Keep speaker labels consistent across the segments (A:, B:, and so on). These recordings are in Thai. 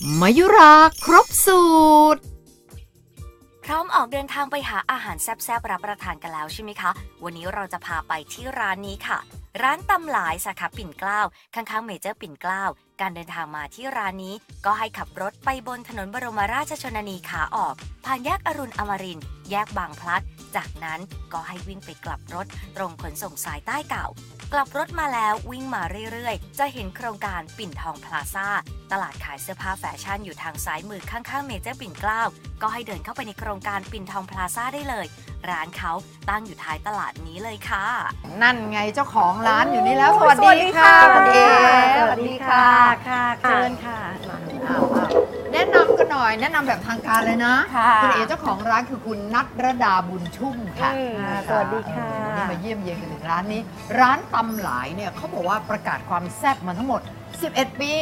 A: มายุราครบสูตร
B: พร้อมออกเดินทางไปหาอาหารแซ่บๆรับประทานกันแล้วใช่ไหมคะวันนี้เราจะพาไปที่ร้านนี้ค่ะร้านตำหลายสาขาปิ่นเกล้าข้างๆเมเจอร์ปิ่นเกล้าการเดินทางมาที่ร้านนี้ก็ให้ขับรถไปบนถนนบรมราชชนนีขาออกผ่านแยกอรุณอมรินทร์แยกบางพลัดจากนั้นก็ให้วิ่งไปกลับรถตรงขนส่งสายใต้เก่ากลับรถมาแล้ววิ่งมาเรื่อยๆจะเห็นโครงการปิ่นทองพลาซ่าตลาดขายเสื้อผ้าแฟชั่นอยู่ทางซ้ายมือข้างๆเมเจอร์ปิ่นเกล้าก็ให้เดินเข้าไปในโครงการปิ่นทองพลาซ่าได้เลยร้านเขาตั้งอยู่ท้ายตลาดนี้เลยค่ะ
A: นั่นไงเจ้าของร้านอยู่นี่แล้วสวัสดีค่ะคุณเอ
C: สวัสดีค่ะค่ะเชิญค่ะ
A: แนะนำกันหน่อยแนะนำแบบทางการเลยนะคุณเอเจ้าของร้านคือคุณณัฐรดาบุญชุ่มค่ะ
C: สวัสดีค่ะ
A: นี่มาเยี่ยมเยียนกันถึงร้านนี้ร้านตำหลายเนี่ยเขาบอกว่าประกาศความแซ่บมาทั้งหมด11 ปี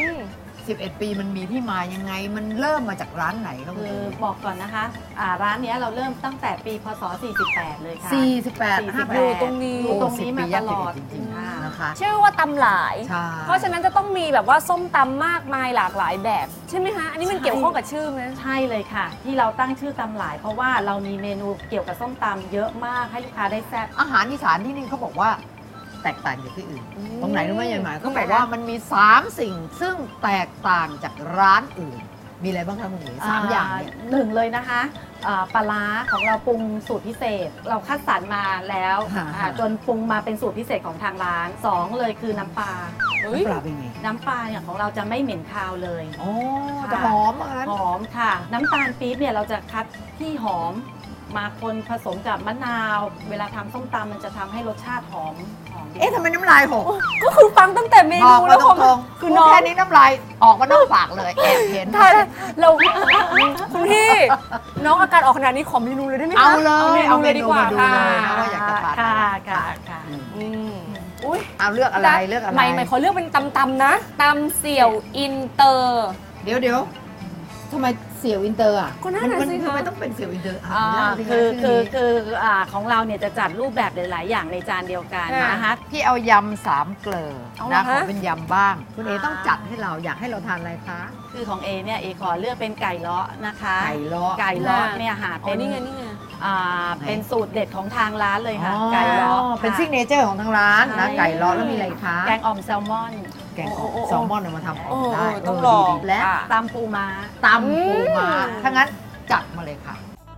A: 11 ปีมันมีที่มายังไงมันเริ่มมาจากร้านไหน
C: คือบอกก่อนนะคะร้านนี้เราเริ่มตั้งแต่ปีพศ48เลยค่ะ
A: 48
C: อยู่ตรงนี้มาตลอด
A: จริงๆนะคะ
D: ชื่อว่าตำหลายเพราะฉะนั้นจะต้องมีแบบว่าส้มตำมากมายหลากหลายแบบใช่ไหมคะอันนี้มันเกี่ยวข้องกับชื่อไหม
C: ใช่เลยค่ะที่เราตั้งชื่อตำหลายเพราะว่าเรามีเมนูเกี่ยวกับส้มตำเยอะมากให้ลูกค้าได้แซ่บ
A: อาหารอีสานที่นี่เขาบอกว่าแตกต่างจากที่อื่นตรงไหนรู้ไหมยายหมายเขาบอกว่ามันมี3สิ่งซึ่งแตกต่างจากร้านอื่นมีอะไรบ้างคะคุณหญิง3อย่างเนี่ย
C: หนึ่งเลยนะคะปลาร้าของเราปรุงสูตรพิเศษเราคัดสรรมาแล้วจนปรุงมาเป็นสูตรพิเศษของทางร้าน2เลยคือน้ำปลา
A: เป็นไง
C: น้ำปลาเนี่ยของเราจะไม่เหม็นคาวเลย
A: จะหอม
C: หอมค่ะน้ำตาลปี๊บเนี่ยเราจะคัดที่หอมมาคนผสมกับมะนาวเวลาทำส้มตำมันจะทำให้รสชาติหอม
A: ทำไมน้ำลายหก
D: ก็คือฟังตั้งแต่เมนูแล้ว
A: คือน้องแค่นี้น้ำลายออกมานอกปากเลยแอบเห็น
D: เราคุณพี่น้องอาการออกขนาดนี้ขอเมนูเลยได้ไหมคะ
A: เอาเลย
D: ดีกว่าค่ะ
A: ว่าอยากจะทาน
C: ค่ะ
D: อุ้ย
A: เอาเลือกอะไร
D: ใหม่ขอเลือกเป็นตำนะตำเสี่ยวอินเตอร์
A: เดี๋ยวทำไมเสี่ยวอินเตอร์อ่ะ
D: ก็น่าสิคะ
A: ทำไมต้องเป็นเสี่ยวอินเตอร์
C: คือของเราเนี่ยจะจัดรูปแบบหลายๆอย่างในจานเดียวกันนะคะ
A: พี่เอายำ3 เกลือนะขอเป็นยำบ้างคุณเอต้องจัดให้เราอยากให้เราทานอะไรคะ
C: คือของเอเนี่ยเอขอเลือกเป็นไก่เลาะนะคะ
A: ไก่เลาะ
C: เนี่ยค่ะ
D: เป็นนี่ไง
C: เป็นสูตรเด็ดของทางร้านเลยค่ะไก่เลาะ
A: เป็นซิกเนเจอร์ของทางร้านนะไก่เลาะแล้วมีอะไรคะ
C: แกงอ่อมแซลมอน
A: แกงแซลมอนเอามาทำอ่อมได้
D: ต้องลอง
A: และ
C: ตำปูม้า
A: ถ้างั้นจัดมาเลยค่ะ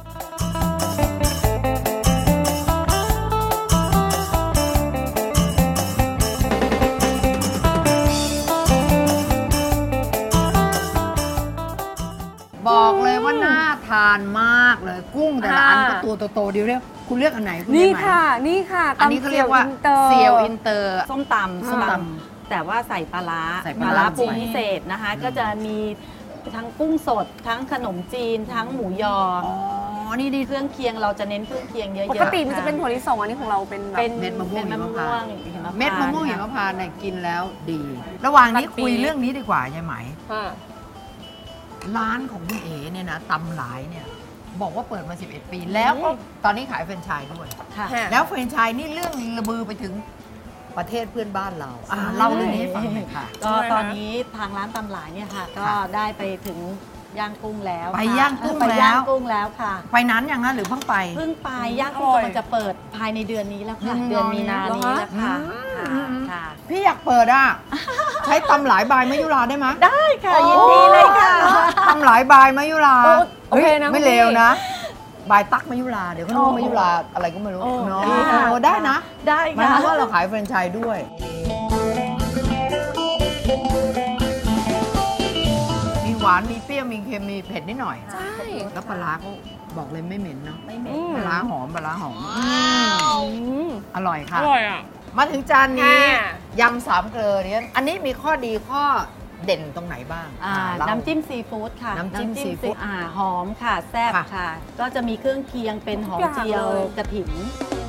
A: บอกเลยว่าน่าทานมากเลยกุ้งแต่ละอันก็ตัวโตๆเดียวเรียกคุณเลือกอันไหนคุณ
D: นี่ค่ะ
A: อันนี้เขาเรียกว่าเซียวอินเตอร์
C: ส้มตำแต่ว่าใส่ปลาร้าปรุงพิเศษนะคะก็จะมีทั้งกุ้งสดทั้งขนมจีนทั้งหมูยอนี่เครื่องเคียงเราจะเน้นเครื่องเคียงเยอะๆ
D: ปกติมันจะเป็นถั่วลิสงอันนี้ของเราเป็น
A: เม็ดมะม่วงหิมพานต์เม็ดมะม่วงหิมพานต์เนี่ยกินแล้วดีระหว่างนี้คุยเรื่องนี้ดีกว่ายายไหมร้านของคุณเอ๋เนี่ยนะตำหลายเนี่ยบอกว่าเปิดมา11 ปีแล้วก็ตอนนี้ขายแฟรนไชส์ด้วยแล้วแฟรนไชส์นี่เรื่องระบือไปถึงประเทศเพื่อนบ้านเราเล่าเรื่องนี้ให้ฟังหน่อยค่ะ
C: ก็ตอนนี้ทางร้านตำหลายเนี่ยค่ะก็ได้ไปถึงย่างกุ้งแล้ว
A: ไปย่างกุ้ง
C: แล้วค่ะ
A: ไปนั้นอย่างนั้นหรือเพิ่งไป
C: ย่างกุ้งมันจะเปิดภายในเดือนนี้แล้วค่ะเดือนมีนานี้แล้วค่ะ
A: พี่อยากเปิดใช้ตำหลายบายมยุราได้ไหม
C: ได้ค่ะยินดีเลยค่ะ
A: ตำหลายบายมยุราโอเคนะไม่เลวนะบายตั๊กมยุราเดี๋ยวเขาเรียกมยุราอะไรก็ไม่รู้เนาะได้นะ
C: ได้
A: ค่ะเพราะว่าเราขายแฟรนไชส์ด้วยมีหวานมีเปรี้ยวมีเค็มมีเผ็ดนิดหน่อย
D: ใช่
A: แล้วปลาร้าเขาบอกเลยไม่เหม็นเนาะไม่เหม็นปลาร้าหอมอร่อยค่ะ
D: อร่อยอ่ะ
A: มาถึงจานนี้ยำ3 เกลือเนี่ยอันนี้มีข้อดีข้อเด่นตรงไหนบ้าง
C: น้ำจิ้มซีฟู้ดค่ะ
A: น้ำจิ้มซีฟู้ด
C: หอมค่ะแซ่บค่ะก็จะมีเครื่องเคียงเป็นหอมเจียวกระถิ่น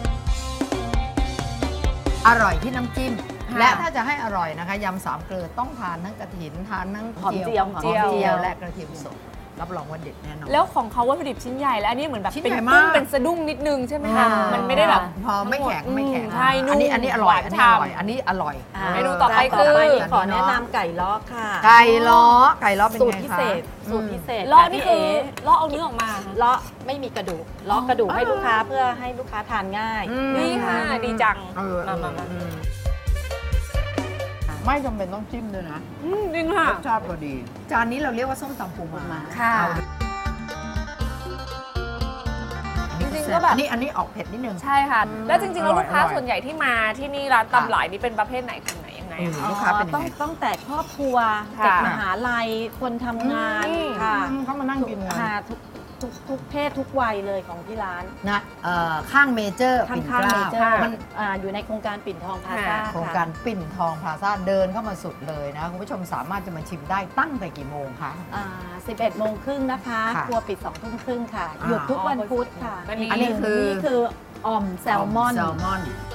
A: อร่อยที่น้ำจิ้มและถ้าจะให้อร่อยนะคะยำ3 เกลือต้องทานทั้งกระถิ่นทานทั้งหอมเจียวและกระเทียมสดรับรองว่าเด็ดแน่นอน
D: แล้วของเขาวัตถุดิบชิ้นใหญ่แล้วอันนี้เหมือนแบบ
A: ชิ้น
D: เป็น
A: ใหญ่
D: กุ้
A: มาง ก
D: เป็นสะดุ้งนิดนึงใช่ไหมคะมันไม่ได้แบบ
A: พอไม่แข็งไม่แข็ง
D: ใช่นุ่ม
A: อันนี้อร่อย
D: หวาน
A: อันนี้อร่อย
D: ฉ่ำ
A: อันนี้อร่อย
D: เมนูต่อไป
C: จาน
D: คือ
C: ขอแนะนำไก่ล้อค่ะ
A: ไก่ล้อไก่ล้อเป็น
C: สูต
A: ไง
C: รพิ
A: คะ
C: เศษสูตรพิเศษ
D: เลาะ
C: ค่ะ
D: นี่
C: พี่
D: คือ
C: เอ๋
D: เลาะเอาเนื้อออกมา
C: เลาะไม่มีกระดูกเลาะกระดูกให้ลูกค้าเพื่อให้ลูกค้าทานง่าย
D: นี่ค่ะ ดีจัง
A: เออ
D: มา
A: ไม่จำเป็นต้องจิ้มด้วยนะ
D: จริงค่ะ
A: รสชาติพอดี จานนี้เราเรียกว่าส้มตำปูม้า
D: ค่ะ
A: เอา
D: จริงๆก็แบบ
A: อันนี้ออกเผ็ดนิดนึง
D: ใช่ค่ะ แล้วจริงๆแล้ว
A: อร่อย
D: ลูกค้า
A: อร่อย
D: ส่วนใหญ่ที่มาที่นี่ร้านตำหลายนี่เป็นประเภทไหนกลุ่มไหนยังไงอะคะ
A: ลูกค้าเป็นยังไง
C: ต้องแต่ครอบครัว
D: ค่ะ
C: เด็กมหาลัยคนทำงาน
D: อืม
C: ค่ะ
A: เขามานั่งกินกัน
C: ค่ะทุกเพศทุกวัยเลยของที่ร้าน
A: นะข้างเมเจอร์
C: ข้า
A: ปิ่
C: ง
A: น
C: ข้าง
A: เก
C: เม
A: ล้า
C: เจอร์
A: มัน
C: อยู่ในโครงการปิ่นทองพลาซ่า
A: โครงการปิ่นทองพลาซ่าเดินเข้ามาสุดเลยนะคุณผู้ชมสามารถจะมาชิมได้ตั้งแต่กี่โมงคะ
C: 11 โมงครึ่งนะคะ
A: ค่ะ
C: ครัวปิด2 ทุ่มครึ่งค่ะ
A: อ่า
C: หยุดทุกวันพุธค่ะ
D: อันนี้
A: อันนี้คือ
C: นี่คืออ่อมแซลมอน
A: แซลมอน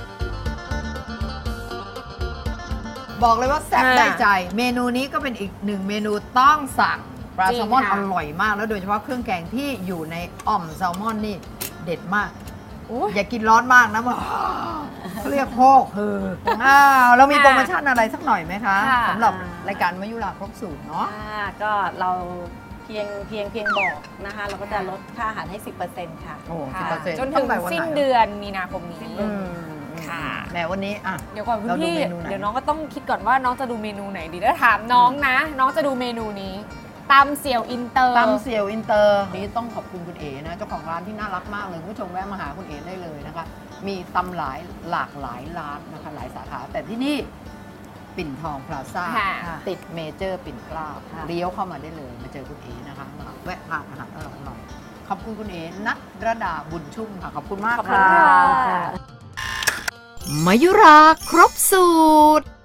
A: บอกเลยว่าแซ่บได้ใจ เมนูนี้ก็เป็นอีกหนึ่งเมนูต้องสั่งปลา
D: จริง
A: แซลมอน
D: ค่ะ
A: อร่อยมากแล้วโดยเฉพาะเครื่องแกงที่อยู่ในอ่อมแซลมอนนี่เด็ดมาก อย่ากินร้อนมากนะมันเขาเรียกโคกคือเรามีโปรโมชั่นอะไรสักหน่อยไหมคะ
D: ค่ะ
A: สำหรับรายการมายุราครบสูตรเนาะ
C: ก็เราเพียงบอกนะคะ เราก็จะลดค่าอาหารให้ 10%ค่ะ
A: โอ้
D: ค่ะ
A: 10%
D: จนถึงสิ้นเดือนมีนาคมนี้
A: อืม
D: ค่ะ
A: แหมวันนี้อ่ะ
D: เดี๋ยวก่อนคุณ
A: เราดู
D: พี่
A: เมนูไหน
D: เดี๋ยวน้องก็ต้องคิดก่อนว่าน้องจะดูเมนูไหนดีแล้วถามน้องนะ น้องจะดูเมนูนี้ตำเสี่ยวอินเตอร์
A: ตำเสี่ยวอินเตอร์นี้ต้องขอบคุณคุณเอ๋นะเจ้าของร้านที่น่ารักมากเลยคุณผู้ชมแวะมาหาคุณเอ๋ได้เลยนะคะ มีตำหลากหลายร้านนะคะหลายสาขาแต่ที่นี่ปิ่นทองพลาซ่า
D: ค่ะ
A: ติดเมเจอร์ปิ่นเกล้า
C: ค่ะ
A: เลี้ยวเข้ามาได้เลยมาเจอคุณเอ๋นะคะมาแวะทานอาหารอร่อยๆขอบคุณคุณเอ๋นัทรดาบุญชุ่มค่ะขอบคุณมาก
D: ขอบคุณ
A: ค่ะ
D: ค่ะ
A: มายุราครบสูตร